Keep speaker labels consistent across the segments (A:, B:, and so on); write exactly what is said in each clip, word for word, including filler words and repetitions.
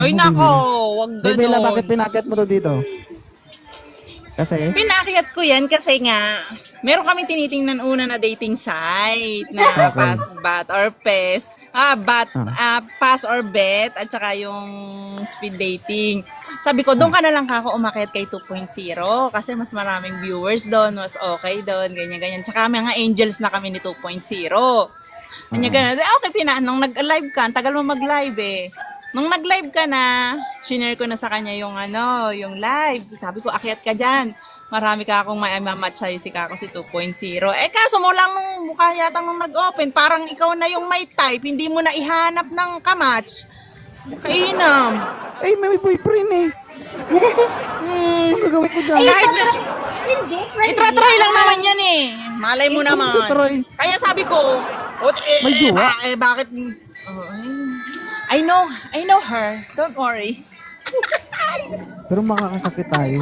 A: Ay nako, wag
B: Bey Bella,
A: ganon.
B: bakit pinakit mo to dito? Kasi?
A: Pinakyat ko yan kasi nga, meron kami tinitingnan una na dating site na
B: Okay.
A: pass, bat, or pes. Ah, bat,
B: Ah.
A: ah, pass or bet, at saka yung speed dating. Sabi ko, doon ka na lang kako umakyat kay two point oh kasi mas maraming viewers doon, mas okay doon, ganyan-ganyan. Tsaka mga angels na kami ni two point oh. Ganyan, ganyan. Eh, okay, pina, nung nag-live ka, ang tagal mo mag-live eh. Nung nag-live ka na, shinare ko na sa kanya yung ano, yung live. Sabi ko, akyat ka dyan. Marami ka akong may mamatch sa'yo si Kako si two point oh. Eh kaso mo lang nung mukha yata nung nag-open, parang ikaw na yung may type, hindi mo na ihanap ng kamatch. Kainam.
B: Ay, may boyfriend eh.
A: Hmm,
B: Ano gagawin ko dyan?
A: kahit
C: Hindi, friendly.
A: itry-try lang naman yan eh. Malay mo naman.
B: Itry.
A: Kaya sabi ko, oh, eh,
B: May
A: eh,
B: jowa?
A: ba- eh, bakit? Oh, I know, I know her. Don't worry.
B: Pero makakasakit tayo.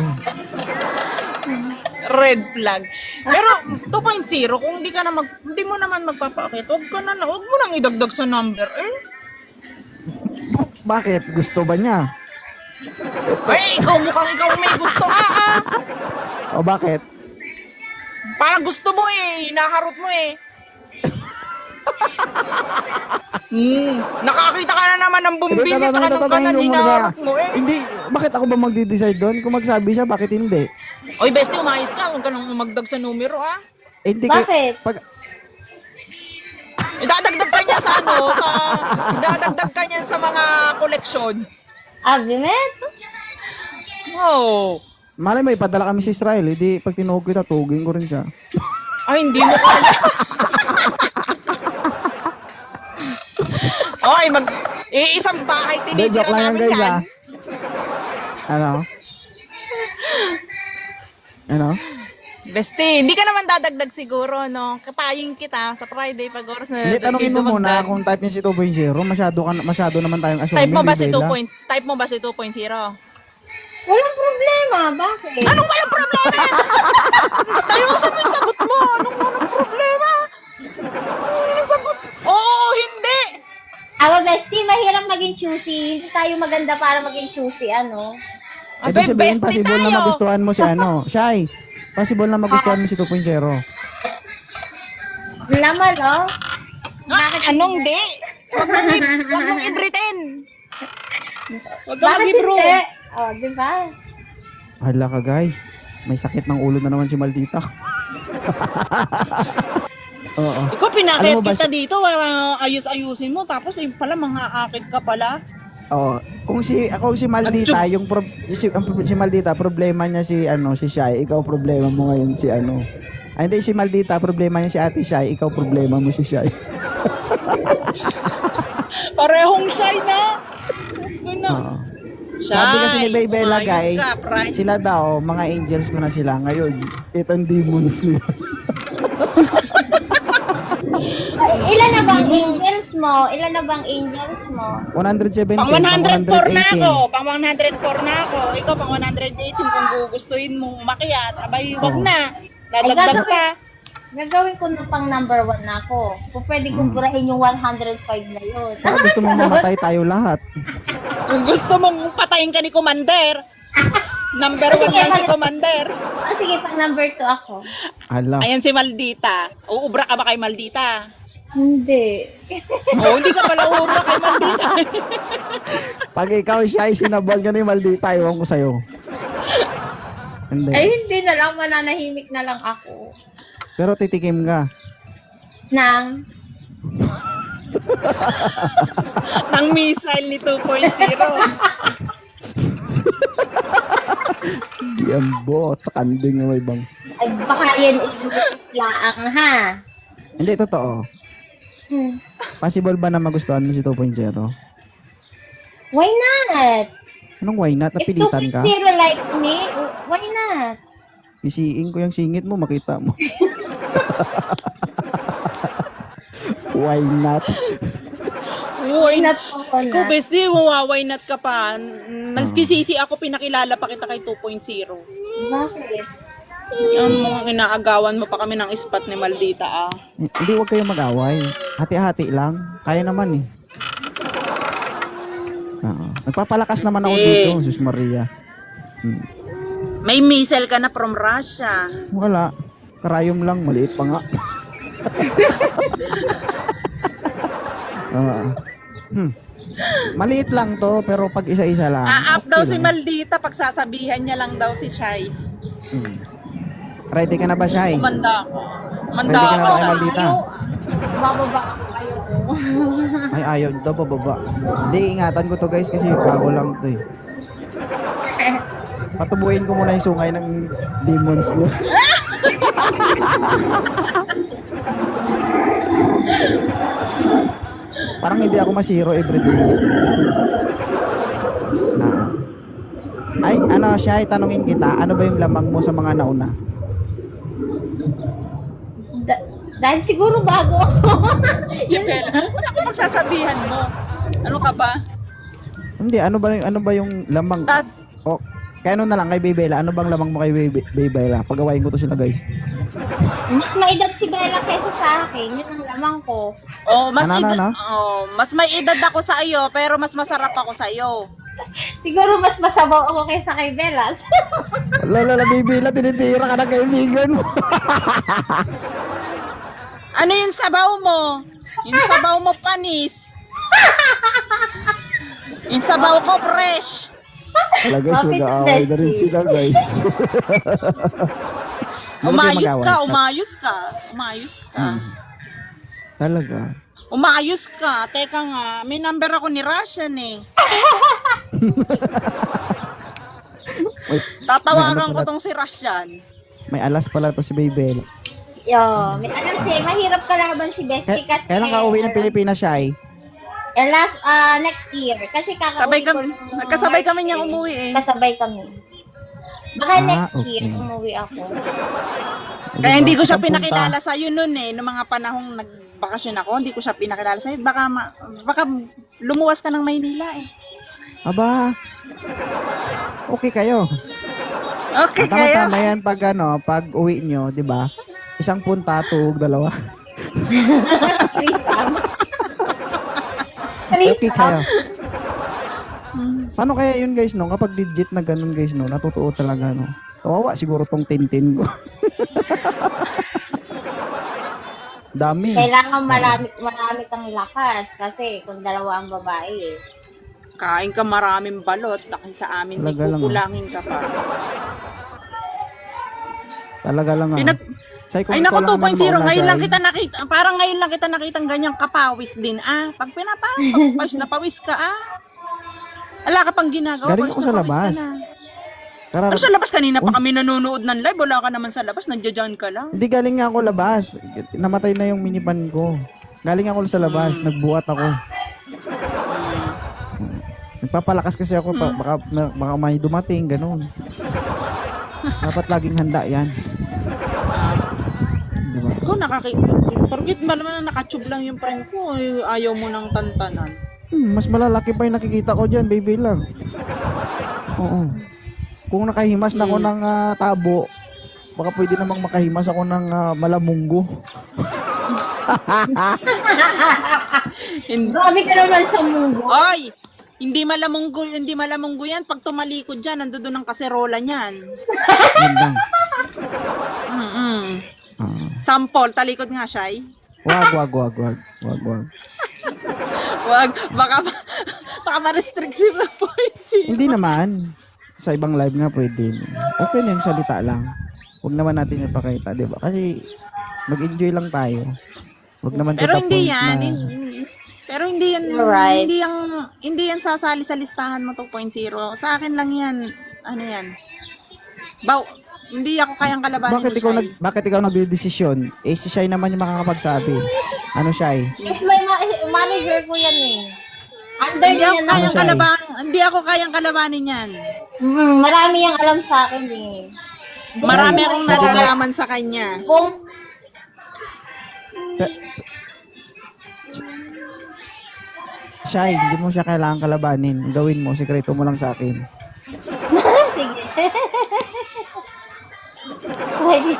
A: Red flag. Pero two point oh, kung hindi ka na mag hindi mo naman magpapakit, wag ka na, wag mo nang idagdag sa number eh.
B: Bakit? Gusto ba niya?
A: Ay, ikaw mukhang ikaw may gusto ah, ah.
B: O bakit?
A: Parang gusto mo eh, hinaharot mo eh. Hmm, nakakita ka na naman ng bumbili at saka ng kanan hinaharot mo eh.
B: Hindi, bakit ako ba magde-decide doon? Kung magsabi siya, bakit hindi?
A: Oy, bestie, umayos ka, huwag ka nang umagdag sa numero ah.
B: Eh, hindi kay-
C: Bakit?
B: Pag,
A: Idadagdag ka niya sa ano, sa idadagdag ka niya sa mga koleksyon.
C: Abimet?
A: Oh.
B: malay mo, ipadala kami sa Israel. Hindi, pag tinuog kita, tugin ko rin siya.
A: Ay, hindi mo kaya. Oy, mag iisang bahay
B: Hindi,
A: tinitira
B: joke lang yan,
A: namin
B: guys,
A: yan.
B: ah. Ano? Ano?
A: Beste, hindi ka naman dadagdag siguro, no? Katayin kita sa Friday pag oras na
B: Hindi, tanongin mo muna
A: dumagdag.
B: kung type niya si two point oh. Masyado, ka, masyado naman tayong assuming.
A: Type mo ba si
B: Bey
A: two
B: Bella.
A: point? Type mo ba si two point oh?
C: Walang problema. Bakit?
A: Anong walang problema? Tayo sa yung sagot mo. Anong walang problema? Anong sagot? Oo, hindi.
C: Aba, bestie, mahirap maging choosy. Hindi tayo maganda para maging choosy, ano?
B: Eh,
A: Abay,
B: di sabihin,
A: bestie
B: possible na
A: tayo.
B: magustuhan mo si ano. Shy, possible na magustuhan mo si two point oh.
C: Naman, no?
A: Ah, anong di? Huwag mong, i- huwag mong i-pretend. Huwag ka
C: Bakit
A: mag-ibro.
C: hindi? Oh, di ba?
B: Hala ka guys, may sakit ng ulo na naman si Maldita. Oo.
A: Ikaw
B: Alam
A: pinakit
B: mo ba
A: kita
B: si-
A: dito para ayos-ayusin mo. Tapos eh, pala mga akit ka pala.
B: Oo. Kung si ako si Maldita, yung pro, si, ang, si Maldita problema niya si ano si Shy, ikaw problema mo ngayon si ano. Ay, hindi si Maldita problema niya si Ate Shy, ikaw problema mo si Shy.
A: Parehong shy na. Ano?
B: Oo. Sabi kasi ni Bey Bella,
A: umayos
B: guys,
A: ka, Fry.
B: sila daw, mga angels ko na sila ngayon. Itong demons nila.
C: Ay, ilan na bang angels mo? Ilan na bang angels mo?
B: one seventeen,
A: Pang one oh four na
B: eighteen.
A: ako. Pang one oh four na ako. Ikaw pang one eighteen kung gugustuhin mong umakyat. Abay, wag
B: Oo.
A: na.
C: Ay,
A: Dadagdag
C: gagawin,
A: pa.
C: gagawin ko na pang number one na ako. Kung pwede kong burahin yung one oh five na yun.
B: Baka gusto mong mamatay tayo lahat.
A: Kung gusto mong patayin ka ni Commander, number one yan si Commander.
C: Ah, sige, pang number two ako.
B: Hala.
A: Ayan si Maldita. Uubra ka ba kay Maldita?
C: Hindi.
A: Oo, hindi ka pala uubra kay Maldita.
B: Pag ikaw siya ay sinabal ka ni Maldita, iwan ko sa'yo. Hindi.
C: Ay, hindi na lang. Mananahimik na lang ako.
B: Pero titikim ka.
C: Nang,
A: Ng missile ni two point oh.
B: Hindi ang bot. Sa kanding na may bang.
C: ay baka yan ilutis laang, ha?
B: Hindi, totoo.
C: Hmm.
B: Possible ba na magustuhan mo si two point oh?
C: Why not?
B: Anong why not?
C: If
B: Napilitan ka?
C: two point oh likes me, why not?
B: Isiin ko yung singit mo, makita mo. Why not?
A: Uy,
C: Not ko
A: Ko,
C: na.
A: bestie, wawaway not ka pa. Nagsisisi ako, pinakilala pa kita kay two point oh.
C: Bakit?
A: Yung mga inaagawan mo pa kami ng ispat ni Maldita, ah.
B: Hindi, huwag kayong mag-away. Hati-hati lang. Kaya naman eh. Oo. Nagpapalakas naman ako
A: Sige.
B: dito, Sus Maria. Hmm.
A: May missile ka na from Russia.
B: Wala. Karayom lang, maliit pa nga. Oo. Hmm. Maliit lang to, pero pag isa-isa lang.
A: A-up
B: okay
A: daw si
B: lang.
A: Maldita, pagsasabihan niya lang daw si Shai.
B: Hmm. Ready ka na ba, Shai?
A: Umanda ako. Umanda
B: Pwede ka na
A: ako.
B: ba kay Maldita?
C: Ayaw, bababa ako kayo.
B: Ay, ayaw daw pababa. Hindi, ingatan ko to guys kasi bago lang to eh. Patubuin ko muna yung sungay ng demons nyo. Parang hindi ako masiro everyday. Ah. Ay, ano, Shai, tanungin kita, ano ba yung lamang mo sa mga nauna?
C: Da- dahil siguro bago ako.
A: Si Bella, ba't ako pagsasabihan mo? Ano ka ba?
B: Hindi, ano ba yung, ano ba yung lamang?
A: Dad,
B: O, kaya ano na lang kay Baybella, ano bang lamang mo kay Bay- Baybella? Pagawain ko to sila guys.
C: Mas maedad si Bella kaysa sa akin. Yun ang lamang ko.
A: oh, mas
B: Ano, ano,
A: edad,
B: ano?
A: oh, mas may edad ako sa iyo, pero mas masarap ako sa iyo.
C: Siguro mas masabaw ako kaysa kay Bella.
B: Wala, wala, Baybella, tinitira ka ng kaibigan mo.
A: Ano yung sabaw mo? Yung sabaw mo panis. Yung sabaw ko fresh.
B: Wala guys,
C: Bakit
B: mag-aaway na rin
C: Bestie?
B: sila guys. Huwag kayo
A: Umayos
B: mag-away.
A: ka, umayos ka. Umayos ka.
B: Hmm. Talaga.
A: Umayos ka. Teka nga, may number ako ni Russian eh.
B: Wait,
A: Tatawagan
B: may ano
A: ko
B: pala-
A: tong si Russian.
B: may alas pala to si Baybella.
C: Yo, may alam si, mahirap kalaban si Bestie
B: Kaya,
C: kasi...
B: kailan ka uwi ng Pilipinas, Shai?
C: Eh, last, ah, next year. Kasi
A: Sabay
C: kakauwi
A: kami,
C: ko nung
A: nagkasabay
C: March
A: kami niyang
C: eh.
A: umuwi eh.
C: Kasabay kami. Baka
B: Ah,
C: next
B: okay.
C: year umuwi ako.
A: Kaya hindi ko siya
B: Saan punta?
A: pinakilala sa iyo noon eh, noong mga panahong nagbakasyon ako, hindi ko siya pinakilala sa iyo. Baka ma- baka lumuwas ka ng Maynila eh.
B: Aba, okay kayo.
A: Okay kayo.
B: Tama-tama yan pag ano, pag uwi nyo, di ba? Isang punta, tuwag, dalawa.
C: Threesome.
B: Okay
C: Threesome.
B: kayo. Paano kaya yun guys, no? Kapag legit na ganun guys, no? Natutuo talaga, no? Kawawa siguro tong tintin ko. Dami.
C: Kailangan marami, marami kang lakas kasi kung dalawa ang babae eh.
A: Kain ka maraming balot, dahil sa amin
B: Talaga lang, ah.
A: kukulangin ka pa.
B: Talaga lang ah.
A: Pinag-
B: Say, kung
A: Ay
B: ikaw
A: naku,
B: lang
A: two point oh,
B: naman mauna,
A: ngayon lang
B: Shai.
A: kita nakita, parang ngayon lang kita nakitang ganyang kapawis din ah. Pag pinaparang pawis na pawis ka ah. Wala ka pang ginagawa,
B: Galing
A: pawis
B: ako
A: na
B: sa
A: pawis
B: labas.
A: ka na.
B: Karar-
A: Ano sa labas kanina pa
B: Uy.
A: kami nanonood ng live, wala ka naman sa labas, nandiyan ka lang.
B: Hindi, galing nga ako labas. Namatay na yung minivan ko. Galing ako sa labas,
A: Hmm.
B: nagbuhat ako. Nagpapalakas kasi ako,
A: Hmm.
B: pa- baka, baka may dumating, ganun. Dapat laging handa yan. Diba?
A: Ikaw nakaki... Porkit ba naman na nakatube lang yung friend ko, eh, ayaw mo ng tantanan.
B: Hmm, mas malalaki pa yung nakikita ko dyan, baby lang. Oo. Kung nakahimas na ako
A: Hmm.
B: ng ah, tabo, baka pwede namang makahimas ako ng ah, malamunggo.
A: Hindi.
C: Grabe ka naman sa munggo.
A: Ay! Hindi malamunggo, hindi malamunggo yan. Pag tumalikod dyan, nandoon ang kaserola niyan.
B: Yan lang.
A: Mm-mm.
B: Ah.
A: Sample, talikod nga siya eh.
B: Wag, wag, wag, wag. Wag, wag.
A: Wag, baka, baka ma-restrict si Poinsi.
B: Hindi naman. Sa ibang live nga pwede. Okay na yung salita lang. Huwag naman natin ipakita, di ba? Kasi mag-enjoy lang tayo. Huwag naman to
A: Pero
B: the
A: hindi
B: point
A: yan.
B: na-
A: hin- Pero hindi yan,
C: You're right.
A: hindi yan, hindi yan sasali sa listahan mo two point oh. Sa akin lang yan, ano yan. Baw, hindi ako kayang kalabanin
B: Bakit
A: ni
B: ikaw
A: Shai.
B: nag bakit ikaw nagdedesisyon? Eh si Shai naman yung makakapagsabi. Ano Shai?
C: Yes, may ma- manager ko yan eh. Under
A: Hindi
C: niya
A: ako
C: na.
A: kayang
B: Shai?
A: kalaban, hindi ako kayang kalabanin yan.
C: Mm, marami yung alam sa akin eh.
A: Marami akong
C: Kung-
A: nalalaman sa kanya.
C: Kung
B: Shai, hindi mo siya kailangan kalabanin. Gawin mo, sikreto mo lang sa akin.
C: sige. Pwede.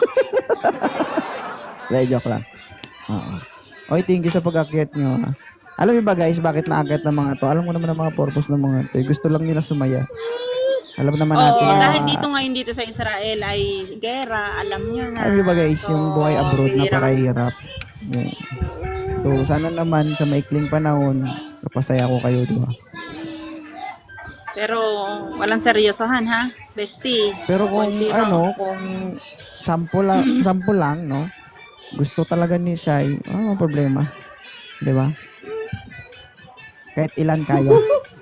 B: Hindi, joke lang. Oo. Oy, thank you sa pag-akyat nyo. Ha? Alam niyo ba guys, bakit naakit ng mga to? Alam ko naman ang mga purpose ng mga to. Gusto lang nila sumaya. Alam naman natin.
A: Oo,
B: na-
A: dahil dito ngayon dito sa Israel ay gera, alam nyo na.
B: Alam niyo ba guys, yung
A: So,
B: buhay abroad
A: bihira.
B: napakahirap. Yeah. So, sana naman sa maikling panahon, kapasaya ko kayo, di ba?
A: Pero walang seryosohan ha, bestie.
B: Pero kung
A: Kung sino.
B: ano, kung sample lang, sample lang, no? Gusto talaga ni Shai, ano ang problema? Di ba? Kahit ilan kaya.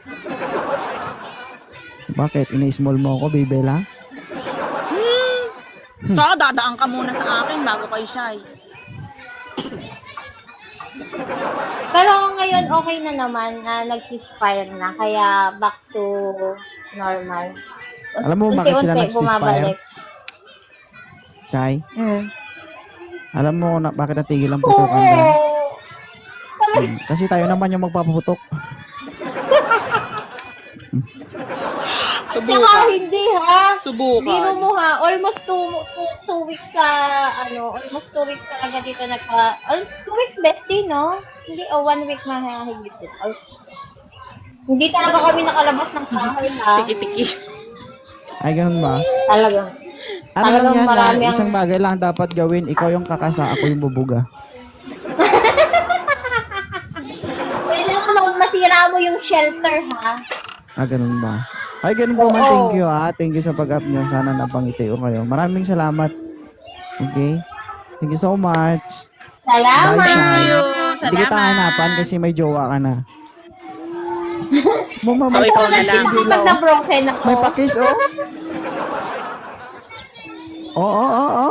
B: Bakit? Ini-small mo ako, Bibela?
A: Baka dadaan ka muna sa akin bago kay Shai.
C: Pero ngayon okay na naman na nag-ceasefire na. Kaya back to normal.
B: Alam mo bakit sila
C: Unti-unti
B: nag-ceasefire?
C: bumabalik.
B: Shai?
C: Mm.
B: Alam mo na bakit natigil ang putukan dyan? Hmm, Kasi tayo naman yung magpapaputok.
C: Tsaka
A: Subukan.
C: hindi ha. Biro
A: Subukan.
C: mo ha, almost two, two, two weeks sa, ano, almost two weeks talaga dito nagka, al- two weeks bestie, no? Hindi, oh, one week na higit dito. Al- Hindi talaga kami nakalabas ng bahay ha.
A: Tiki-tiki.
B: Ay, ganun ba?
C: Talagang.
B: Ano lang
C: Talagang
B: yan,
C: marami
B: na
C: ang-
B: isang bagay lang dapat gawin. Ikaw yung kakasa, ako yung bubuga.
C: Kailangan mo masira mo yung shelter ha.
B: Ah, ganun ba? Ay, ganun po man.
C: Oo.
B: Thank you, ha. Thank you sa pag-up nyo. Sana napangiti ko kayo. Maraming salamat. Okay? Thank you so much.
C: Salamat.
B: Bye, Shai.
A: Thank you.
B: Hindi kita
A: Salamat.
B: hanapan kasi may jowa ka na. Mama,
A: So,
B: may,
A: ikaw
C: Wala
A: na
C: siya
A: lang.
C: kapag na-broken ako.
B: may pakis, oh. Oo, oo, oo.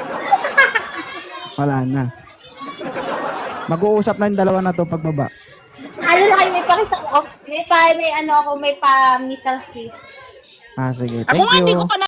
B: Wala na. Mag-uusap na yung dalawa na to pagbaba.
C: Ano na kayo, may pakis ako. May pa, may ano ako, may pa missile kiss.
B: Ah, sige.
A: Ako
B: Thank
A: nga hindi
B: you.
A: ko pa